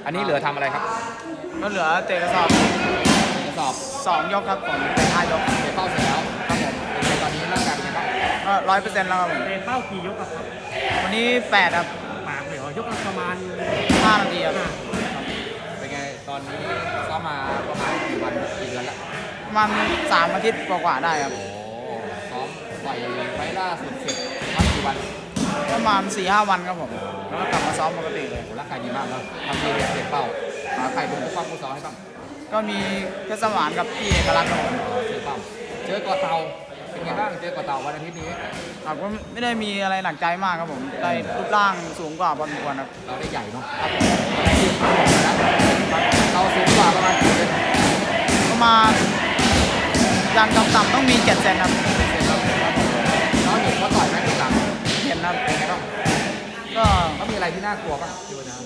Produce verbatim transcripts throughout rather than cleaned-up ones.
อันนี้เหลือทำอะไรครับก็เหลือเตะกระสอบกระสอบสองยกครับผมเป็นห้ายกเตะเป้าเสร็จแล้วครับผมเป็นไงตอนนี้ร่างกายเป็นไงบ้างก็ร้อยเปอร์เซ็นต์แล้วครับผมเตะเป้ากี่ยกครับวันนี้แปดครับปากเลยเหรอยกละประมาณห้านาทีครับเป็นไงตอนนี้ซ้อมมาประมาณกี่วันกี่เดือนละประมาณสามอาทิตย์กว่าๆได้ครับโอ้ซ้อมต่อยไฟล่าสุดเสร็จพักกี่วันประมาณสี่ห้าวันครับผมแล้วก็กลับมาซ้อมปกติเลยร่างกายดีมากแล้วทำดีเตะเป้าหาใครเป็นผู้ป้องผู้ซ้อมให้บ้างก็มีเพชรสมานกับพี่เอกลักษณ์ครับผมเจอเป้าเจอกอเตาเป็นไงบ้างเจอกอเตาวันอาทิตย์นี้ครับก็ไม่ได้มีอะไรหนักใจมากครับผมได้รูปร่างสูงกว่าพอสมควรครับเราได้ใหญ่เนาะครับเราสูงกว่าประมาณกี่เซนประมาณอย่างต่ำๆต้องมีเจ็ดเซนครับเราเห็นเขาต่อยไหมต่ำเห็นครับเป็นไงบ้างก็เขามีอะไรที่น่ากลัวบ้างดูนะ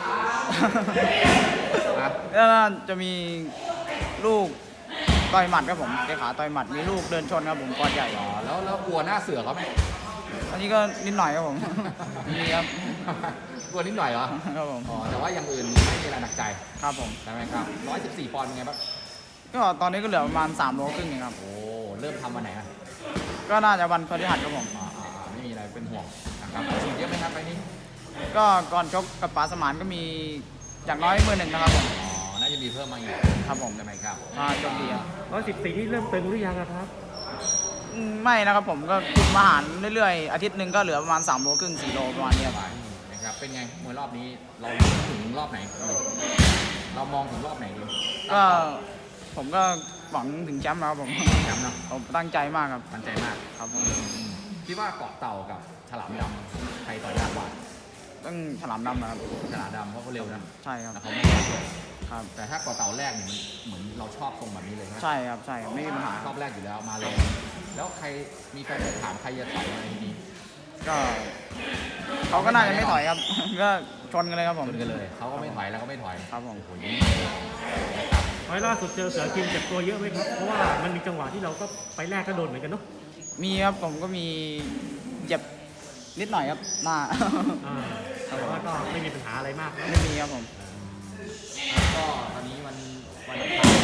แล้วจะมีลูกต่อยหมัดครับผมเตะขาต่อยหมัดมีลูกเดินชนครับผมกอดใหญ่อ๋อแล้วแล้วกลัวหน้าเสือเขาไหมอันนี้ก็นิดหน่อยครับผมมีครับกลัวนิดหน่อยเหรอครับผมอ๋อแต่ว่าอย่างอื่นไม่มีอะไรหนักใจครับผมใช่ไหมครับร้อยสิบสี่ปอนด์เป็นไงบ้างก็ตอนนี้ก็เหลือประมาณสามโลครึ่งเองครับโอ้เริ่มทำวันไหนอ่ะก็น่าจะวันพฤหัสครับผมอ๋อไม่มีอะไรเป็นห่วงนะครับฉีดเยอะไหมครับไปนี้ก็ก่อนชกกับป๋าสมานก็มีอย่างน้อยมือหนึ่งนะครับผมอ๋อน่าจะมีเพิ่มมาอีกครับผมใช่ไหมครับอ่าโชคดีครับร้อยสิบสี่ที่เริ่มตึงหรือยังครับไม่นะครับผมก็คุมอาหารเรื่อยๆอาทิตย์หนึ่งก็เหลือประมาณสามโลครึ่งสี่โลประมาณนี้นะครับเป็นไงมวยรอบนี้เราถึงรอบไหนเรามองถึงรอบไหนดีก็ผมก็หวังถึงแชมป์แล้วครับผมแชมป์นะผมตั้งใจมากครับตั้งใจมากครับผมคิดว่าเกาะเต่ากับฉลามดำใครต่อยากกว่าต้องฉลามดำนะครับฉลามดำเพราะเขาเร็วนะใช่ครับเขาไม่ครับแต่ถ้าเกาะเต่าแรกเนี่ยเหมือนเราชอบตรงแบบนี้เลยใช่ครับใช่ไม่มีปัญหาชอบแรกอยู่แล้วมาเลยแล้วใครมีใครถามใครจะต่อยอะไรทีนี้ก็เขาก็น่าจะไม่ถอยครับก็ชนกันเลยครับผมชนกันเลยเขาก็ไม่ถอยแล้วก็ไม่ถอยครับผมไฟล่าสุดเจอเสือกินเจ็บตัวเยอะไหมครับเพราะว่ามันมีจังหวะที่เราก็ไปแรกก็โดนเหมือนกันเนาะมีครับผมก็มีเจ็บนิดหน่อยครับหน้าแต่ว่าก็ไม่มีปัญหาอะไรมากไม่มีครับผมก็ตอนนี้วันวัน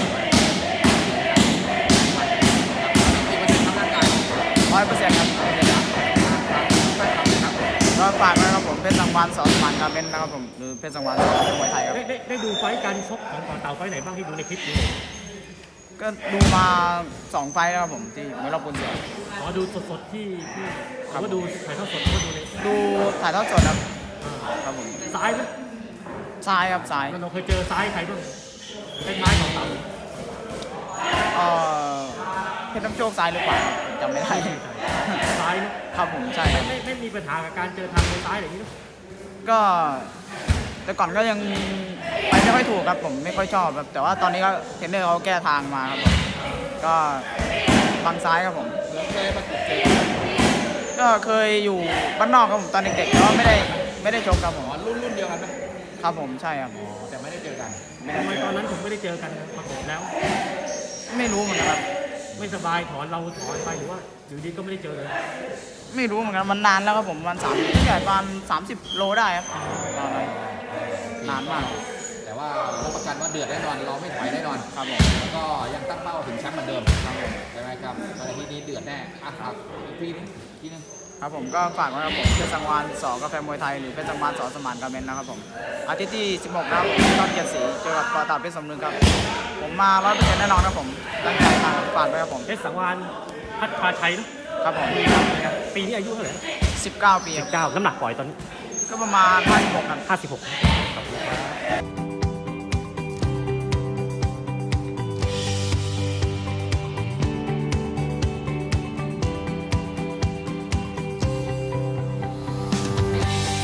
ร้อยเปอร์เซ็นต์ครับก็ฝากนะครับผมเพชรสังวานสอนสมานการเล่นนะครับผมหรือเพชรสังวานสอนมวยไทยครับได้ได้ดูไฟการชกของต่อเต่าไฟไหนบ้างที่ดูในคลิปนี้ก็ดูมาสองไฟแล้วครับผมที่ไม่รอบคุณเสืออ๋อดูสดๆที่ที่เขาก็ดูถ่ายทอดสดก็ดูเลยดูถ่ายทอดสดครับครับผมซ้ายไหมซ้ายครับซ้ายเราเคยเจอซ้ายใครบ้างคล้ายๆของเต่าเออเพชรน้ำโชคซ้ายหรือเปล่าจำไม่ได้ซ้ายนะครับผมใช่ไม่ไม่มีปัญหากับการเจอทางซ้ายอย่างนี้นะก็แต่ก่อนก็ยังไปไม่ค่อยถูกครับผมไม่ค่อยชอบครับแต่ว่าตอนนี้ก็เทรนเนอร์เขาแก้ทางมาครับผมก็บังซ้ายครับผมก็เคยอยู่บ้านนอกครับผมตอนเด็กๆก็ไม่ได้ไม่ได้ชกครับผมรุ่นรุ่นเดียวกันไหมครับผมใช่ครับแต่ไม่ได้เจอกันทำไมตอนนั้นผมไม่ได้เจอกันปรากฏแล้วไม่รู้เหมือนกันครับไม่สบายถอนเราถอนไปหรือว่าอยู่ดีก็ไม่ได้เจอเลยไม่รู้เหมือนกันมันนานแล้วครับผมวันสามใหญ่ประมาณสามสิบโลได้ครับนานมากแต่ว่ารับประกันว่าเดือดแน่นอนเราไม่ถอยแน่นอนครับผมแล้วก็ยังตั้งเป้าถึงแชมป์เหมือนเดิมครับผมใช่ไหมครับวันอาทิตย์นี้เดือดแน่อ่ะครับอีกทีนึงทีนึงครับผมก็ฝากไว้ครับผมเพชรสังวานสอกาแฟมวยไทยหรือเพชรสังวานสอสมานการเมนนะครับผมอาทิตย์ที่สิบหกครับตอนเกียรติศรีเจอกับกอตาเพชรสมนึกครับผมมาร้อยเปอร์เซ็นต์แน่นอนครับผมตั้งใจมาฝากไว้ครับผมเพชรสังวานพัฒนาชัยนะครับผมปีนี้อายุเท่าไหร่สิบเก้าปีสิบเก้าน้ำหนักปล่อยตอนนี้ก็ประมาณห้าสิบหกครับห้าสิบหก